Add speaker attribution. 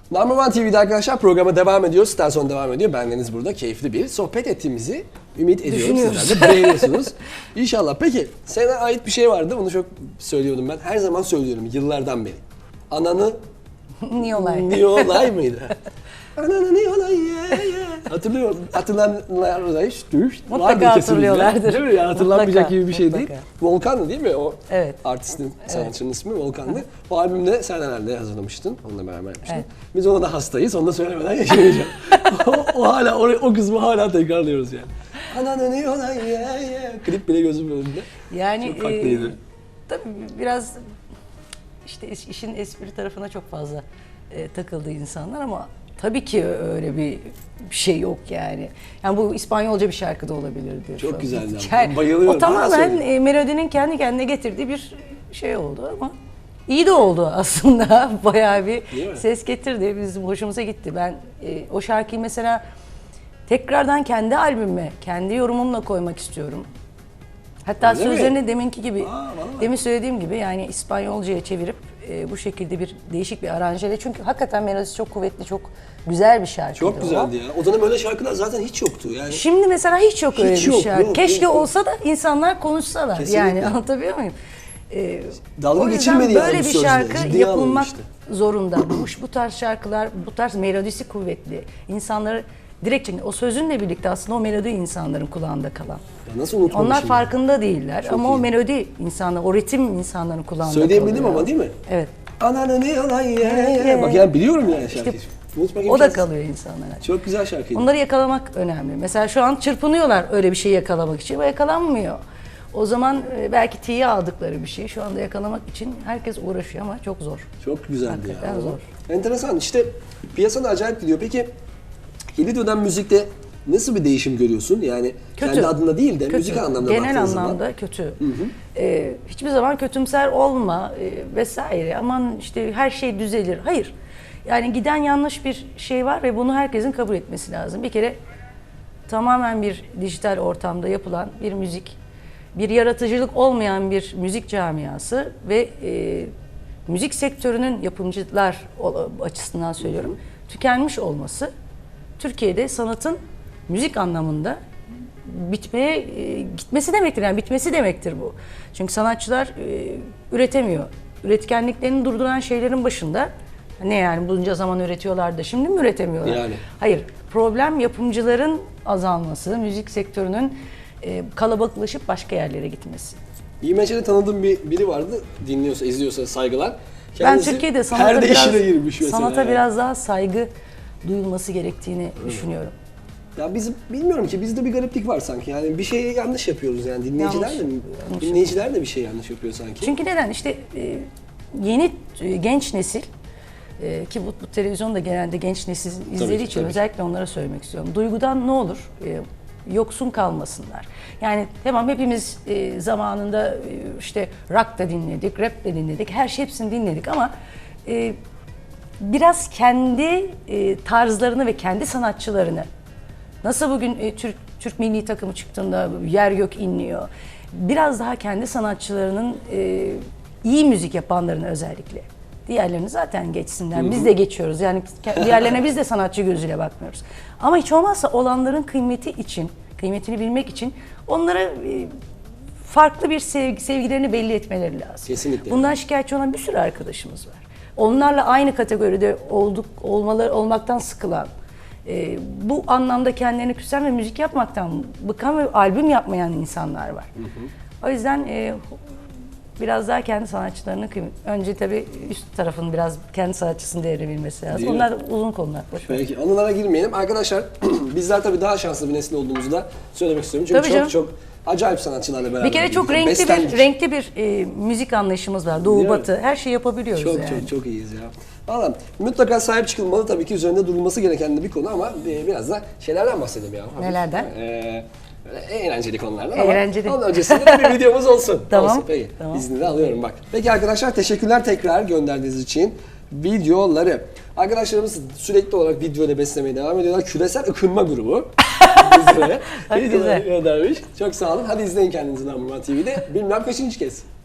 Speaker 1: Number One TV'de arkadaşlar programa devam ediyoruz. Star Son devam ediyor. Bendeniz burada keyifli bir sohbet ettiğimizi ümit ediyorum. Sizler de beğeniyorsunuz. İnşallah. Peki sana ait bir şey vardı. Bunu çok söylüyordum ben. Her zaman söylüyorum yıllardan beri. Ananı
Speaker 2: Niyolay.
Speaker 1: Niyolay mıydı? Ananı Niyolay Hatırlıyor musun? Hatırlayanlar da hiç
Speaker 2: mutlaka hatırlıyorlardır.
Speaker 1: Değil mi? Ya, hatırlanmayacak
Speaker 2: Mutlaka,
Speaker 1: gibi bir şey
Speaker 2: mutlaka.
Speaker 1: değil. Volkan'dı değil mi? O
Speaker 2: evet.
Speaker 1: artistin, sanatçının ismi Volkan'dı. O albümde sen herhalde hazırlamıştın. Onunla beraber yapmıştın.
Speaker 2: Evet.
Speaker 1: Biz ona da hastayız. Onu da söylemeden yaşamayacağım. o kısmı hala tekrarlıyoruz yani. Ananı Niyolay Klip bile gözümün önünde.
Speaker 2: Yani
Speaker 1: çok farklıydı.
Speaker 2: Tabii biraz işte işin espri tarafına çok fazla takıldı insanlar ama tabii ki öyle bir şey yok yani. Yani bu İspanyolca bir şarkı da olabilirdi.
Speaker 1: Çok güzeldi.
Speaker 2: Yani,
Speaker 1: bayılıyorum.
Speaker 2: o tamamen melodinin kendi kendine getirdiği bir şey oldu ama iyi de oldu aslında. Bayağı bir ses getirdi. Bizim hoşumuza gitti. Ben o şarkıyı mesela tekrardan kendi albümüme, kendi yorumumla koymak istiyorum. Hatta öyle sözlerini mi? Deminki gibi, demin söylediğim gibi yani İspanyolcaya çevirip bu şekilde bir değişik bir aranjeyle. Çünkü hakikaten melodisi çok kuvvetli, çok güzel bir şarkıydı.
Speaker 1: Çok güzeldi ya. O dönem öyle şarkılar zaten hiç yoktu yani.
Speaker 2: Şimdi mesela hiç yok öyle bir şarkı.
Speaker 1: Yok,
Speaker 2: keşke
Speaker 1: yok.
Speaker 2: olsa da insanlar konuşsalar.
Speaker 1: Kesinlikle.
Speaker 2: Yani anlatabiliyor muyum?
Speaker 1: Dalga geçilmedi yani
Speaker 2: böyle bir şarkı
Speaker 1: ciddiye
Speaker 2: yapılmak
Speaker 1: işte.
Speaker 2: zorunda. Bu tarz şarkılar, bu tarz melodisi kuvvetli. İnsanları direkt o sözünle birlikte aslında o melodi insanların kulağında kalan.
Speaker 1: Ya nasıl unutmamışım?
Speaker 2: Onlar farkında değiller
Speaker 1: çok
Speaker 2: ama
Speaker 1: iyi.
Speaker 2: O melodi insanlar, o ritim insanların kulağında
Speaker 1: söyleyebildim
Speaker 2: kalıyor.
Speaker 1: ama değil mi?
Speaker 2: Evet.
Speaker 1: Ananı ne yalan ye. Bak yani biliyorum yani şarkıyı.
Speaker 2: İşte, o da kalıyor insanlara.
Speaker 1: Çok güzel şarkıydı.
Speaker 2: Onları yakalamak önemli. Mesela şu an çırpınıyorlar öyle bir şey yakalamak için ve yakalanmıyor. O zaman belki tiye aldıkları bir şey şu anda yakalamak için herkes uğraşıyor ama çok zor.
Speaker 1: Çok güzeldi
Speaker 2: hakikaten
Speaker 1: ya.
Speaker 2: Zor.
Speaker 1: Enteresan işte piyasada acayip gidiyor. Peki yeni dönem müzikte nasıl bir değişim görüyorsun? Yani
Speaker 2: kötü.
Speaker 1: Kendi adına değil de
Speaker 2: kötü.
Speaker 1: müzik anlamda
Speaker 2: genel
Speaker 1: baktığın
Speaker 2: anlamda
Speaker 1: zaman.
Speaker 2: kötü. Hiçbir zaman kötümser olma vesaire. Aman işte her şey düzelir. Hayır. Yani giden yanlış bir şey var ve bunu herkesin kabul etmesi lazım. Bir kere tamamen bir dijital ortamda yapılan bir müzik, bir yaratıcılık olmayan bir müzik camiası ve müzik sektörünün yapımcılar açısından söylüyorum, tükenmiş olması Türkiye'de sanatın müzik anlamında gitmesi demektir. Yani bitmesi demektir bu. Çünkü sanatçılar üretemiyor. Üretkenliklerini durduran şeylerin başında ne yani bunca zaman üretiyorlar da şimdi mi üretemiyorlar?
Speaker 1: Yani.
Speaker 2: Hayır. Problem yapımcıların azalması, müzik sektörünün kalabalıklaşıp başka yerlere gitmesi.
Speaker 1: İMC'de tanıdığım biri vardı. Dinliyorsa, izliyorsa saygılar.
Speaker 2: Ben Türkiye'de sanata
Speaker 1: yani.
Speaker 2: biraz daha saygı duyulması gerektiğini düşünüyorum.
Speaker 1: Ya bilmiyorum ki bizde bir gariplik var sanki. Yani bir şeyi yanlış yapıyoruz yani dinleyiciler de bir şey yanlış yapıyor sanki.
Speaker 2: Çünkü neden? İşte yeni genç nesil ki bu televizyonda genelde genç nesil izlediği için özellikle onlara söylemek istiyorum. Duygudan ne olur? Yoksun kalmasınlar. Yani tamam hepimiz zamanında işte rock da dinledik, rap de dinledik, hepsini dinledik ama biraz kendi tarzlarını ve kendi sanatçılarını nasıl bugün Türk milli takımı çıktığında yer gök inliyor. Biraz daha kendi sanatçılarının iyi müzik yapanlarını özellikle. Diğerlerini zaten geçsinler. Biz de geçiyoruz. Yani diğerlerine biz de sanatçı gözüyle bakmıyoruz. Ama hiç olmazsa olanların kıymetini bilmek için onlara farklı bir sevgilerini belli etmeleri lazım.
Speaker 1: Kesinlikle.
Speaker 2: Bundan şikayetçi olan bir sürü arkadaşımız var. Onlarla aynı kategoride olmaktan sıkılan, bu anlamda kendilerini küsen ve müzik yapmaktan bıkan ve albüm yapmayan insanlar var. O yüzden biraz daha kendi sanatçılarının önce tabii üst tarafın biraz kendi sanatçısını değerebilmesi lazım.
Speaker 1: Değil
Speaker 2: Onlar
Speaker 1: mi?
Speaker 2: uzun konular.
Speaker 1: Peki anılara girmeyelim. Arkadaşlar bizler tabii daha şanslı bir nesil olduğumuzu da söylemek istiyorum. Çünkü
Speaker 2: Tabii
Speaker 1: çok acayip sanatçılarla beraber.
Speaker 2: Bir kere çok renkli bir müzik anlayışımız var. Doğu, batı her şeyi yapabiliyoruz yani.
Speaker 1: Çok iyiyiz ya. Valla mutlaka sahip çıkılmalı tabii ki üzerinde durulması gereken de bir konu ama biraz da şeylerden bahsedelim ya.
Speaker 2: Nelerden?
Speaker 1: Eğlenceli konulardan
Speaker 2: eğlenceli.
Speaker 1: ama onun öncesinde de bir videomuz olsun.
Speaker 2: Tamam.
Speaker 1: Olsun, peki.
Speaker 2: Tamam.
Speaker 1: İznini de alıyorum bak. Peki arkadaşlar teşekkürler tekrar gönderdiğiniz için videoları. Arkadaşlarımız sürekli olarak videoyla beslemeye devam ediyorlar. Küresel ıkınma grubu. Bizlere videoları göndermiş. Çok sağ olun. Hadi izleyin kendinizi Number One TV'de. Bilmem kaçıncı kez.